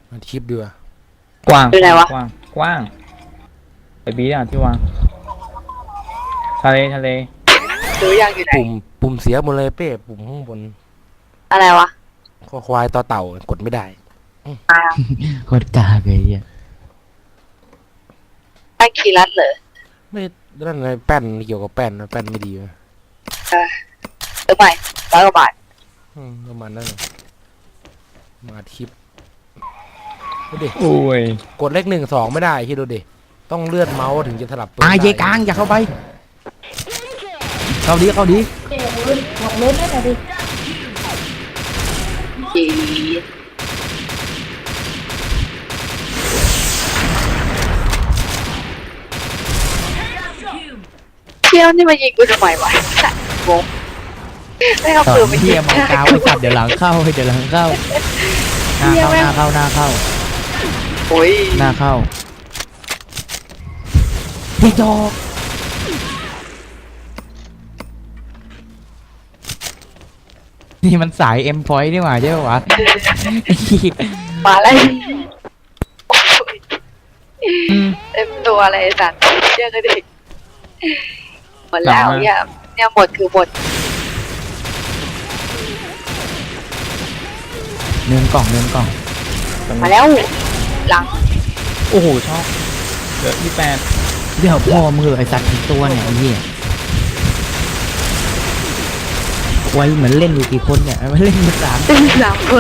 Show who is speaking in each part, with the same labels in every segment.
Speaker 1: มาคลิปดีกว่าก
Speaker 2: ว้าง
Speaker 3: อยู่ไหนวะ
Speaker 2: กว้างกว้างไปบีอ่ะที่วางทะเล
Speaker 3: ดูยังอยู่ไหน
Speaker 1: ปุ่มเสียหมดเลยเป้ปุ่มข้างบน
Speaker 3: อะไรวะ
Speaker 1: คอควายต่อเต่ากดไม่ได้
Speaker 4: โคตรกากเลยอ่ะ
Speaker 3: แป้งคีรัตเหรอ
Speaker 1: ไม่นั่นไงแป้นเกี่ยวกับแป้นนะแป้นไม่ดีนะ
Speaker 3: ซื้อใหม่100 กว่าบาท
Speaker 1: ประมาณนั้นเลยมาคลิปดูดิ
Speaker 2: โอ้ย
Speaker 1: กดเลข1 2ไม่ได้คิดดูดิต้องเลื่อนเมาส์ถึงจะสลับปืน
Speaker 4: เย
Speaker 1: ได้
Speaker 4: กลางอย่าเข้าไปเข้าดี
Speaker 3: ดีเที่ยวนี่มายิงกูทำไมวะงงไม่เอา
Speaker 4: ต่อ
Speaker 3: ปืนมายิ
Speaker 4: เทีย
Speaker 3: ง
Speaker 4: มเอากาวไอ้สัตว์เดี๋ยวหลังเข้าเดี๋ยวหลังเข้าหน้าเข้า
Speaker 3: โอ้ย
Speaker 4: หน้าเข้าพี่จอกนี่มันสายเอ็มพอยต์นี่หว่าใช่ปะวะ
Speaker 3: มาแล้วเต็มตัวเลยสัตว์เชื่อกันดิหมดแล้วเนี่ยหมดคือหมด
Speaker 4: เนินกล่อง
Speaker 3: มาแล้วหลัง
Speaker 2: โอ้โหชอบเหลือที่8
Speaker 4: เดี๋ยวพ่อมือไอ้สัตว์ทั้งตัวเนี่ยไอ้เหี้ยไว้เหมือนเล่นอยู่กี่คนเนี่ยไม่เล่นมา3
Speaker 3: 3 คน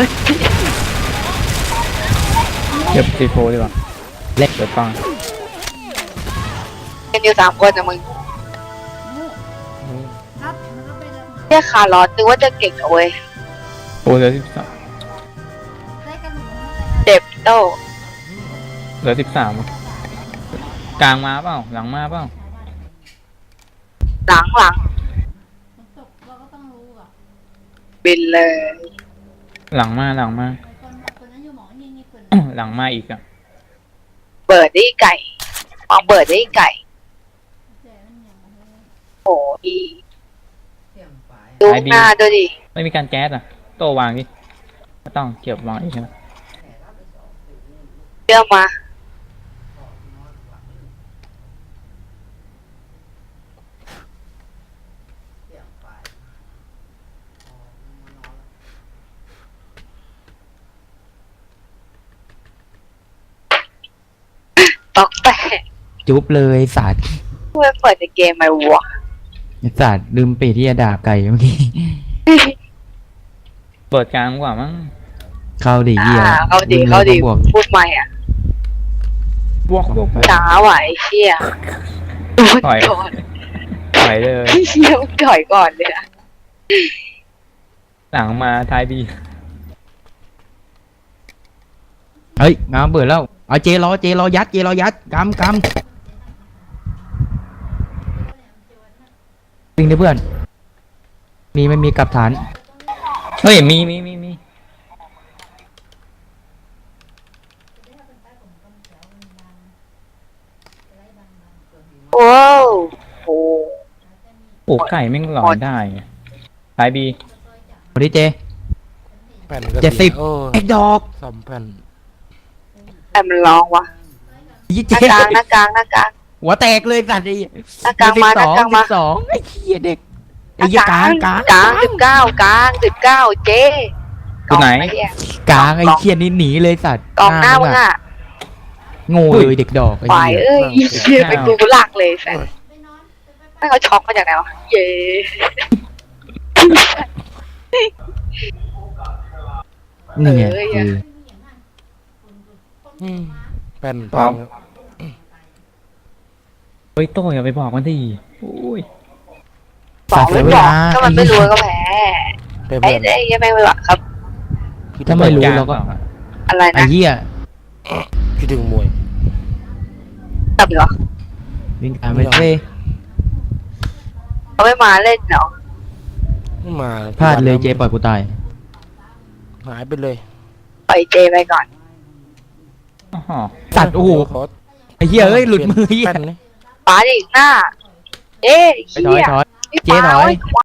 Speaker 2: เก็บซีโฟดีกว่า
Speaker 4: เล็ก
Speaker 2: เดี๋ยวฟัง
Speaker 3: กันอยู่3 คนนะมึง
Speaker 1: อืม
Speaker 3: เรียกคาร์ลอสนึกว่าจะเก่งเอาเว้ย
Speaker 2: โอ้เหลือ
Speaker 3: เจ็บโต
Speaker 2: เหลือ13กลางมาเปล่าหลังมาเปล่า
Speaker 3: หลังบินเลย
Speaker 2: หลังมาหลังมาอีกอ่ะ
Speaker 3: เปิดได้ไก่มองเปิดได้ไก่โอ้ยดูหน้าดูดิ
Speaker 2: ไม่มีการแก๊สอ่ะโตวางดิไม่ต้องเก็บวางอีกใช่ไหม
Speaker 3: เชื่อมาตอกแตก
Speaker 4: จุ๊บเลยไอ้สัตว์
Speaker 3: เพื่อเปิดในเกมไหมวะ
Speaker 4: ไอ้สัตว์ลืมปิดที่จะด่าไก่เมื่อกี้
Speaker 2: เปิดกลางกว่ามั้ง
Speaker 4: เข้าดิเหี้ย
Speaker 3: เขาดี
Speaker 4: บวก
Speaker 3: พูดใหม่อ่ะ
Speaker 2: บวก
Speaker 3: ช้าไหวเชี่ยโดน
Speaker 2: ถอย
Speaker 3: ก่อน
Speaker 2: ถอยเลย
Speaker 3: เชี่ยมึงถอยก่อนเลยอะ
Speaker 2: หลังมาท้ายบี
Speaker 4: เฮ้ยงามเบื่อแล้วเอาเจรอยัดกำวิ่งดิเพื่อนไม่มีกลับฐาน
Speaker 2: เฮ้ยมี
Speaker 3: โอ้โห
Speaker 2: โอ้ไก่แม่งหลอนได้ไงท้ายบี
Speaker 4: สวัสดีเจ
Speaker 1: แป้นก็
Speaker 4: 70
Speaker 1: โอ้
Speaker 4: ไอ้ดอก
Speaker 1: ซ่อมแป้น
Speaker 3: แต่มันร้องวะ
Speaker 4: ยี่
Speaker 3: ห
Speaker 4: เจ
Speaker 3: น้ากลาง
Speaker 4: หัวแตกเลยสัตว์ไอ้
Speaker 3: หน้ากลางมาหน้ากลางมา
Speaker 4: 12ไอ้เหี้ยเด็กไอ้เหี้ยกลาง
Speaker 3: กลาง19เจ๊
Speaker 2: ตัวไหน
Speaker 4: กลางไอ้เหี้ยนี่หนีเลยสัตว์
Speaker 3: กองหน้ามึงอ่ะ
Speaker 4: โง่เลยเด็กดอกไอ้
Speaker 3: ฝ่าย
Speaker 4: เหี้ย
Speaker 3: เอ้ยเชี่ยเป็นกูหลักเลยแฟนไม่เขาช็อกมาจากไหนวะเย้
Speaker 4: นี่ไง
Speaker 1: แป้น
Speaker 2: พร้อม เฮ้ยโตอย่าไปบอกมันดิโอ้ย
Speaker 3: บอกไม่บอกถ้ามันไม่รู้ก็แพ้
Speaker 1: เป้
Speaker 3: ไอ้
Speaker 1: เพื่อน
Speaker 3: ไอ้ยังไม่รู้อะครับ
Speaker 4: ถ้าไม่รู้เราก็
Speaker 3: อะไร
Speaker 4: ไอ้
Speaker 3: นะ
Speaker 4: เหี้ย
Speaker 1: คิดถึงมวย
Speaker 3: ตับเหรอ
Speaker 4: วิ่งตามไปเซ่
Speaker 3: เขาไม่มาเล่นเหรอ
Speaker 1: ไม่มา
Speaker 4: พลาดเลยเจปล่อยกูตาย
Speaker 1: หายไปเลย
Speaker 3: ปล่อยเจไปก่อน
Speaker 2: อ๋อ
Speaker 4: สัตว์โอ้โห
Speaker 1: ขอ
Speaker 4: ไอ้เหี้ยเอ้ยหลุดมือเหี้ย
Speaker 1: แป้นนี่
Speaker 3: ป๋าดิหน้าเอ๊ะ
Speaker 4: ถอย
Speaker 3: เหี้ย
Speaker 4: เจ๊ถอย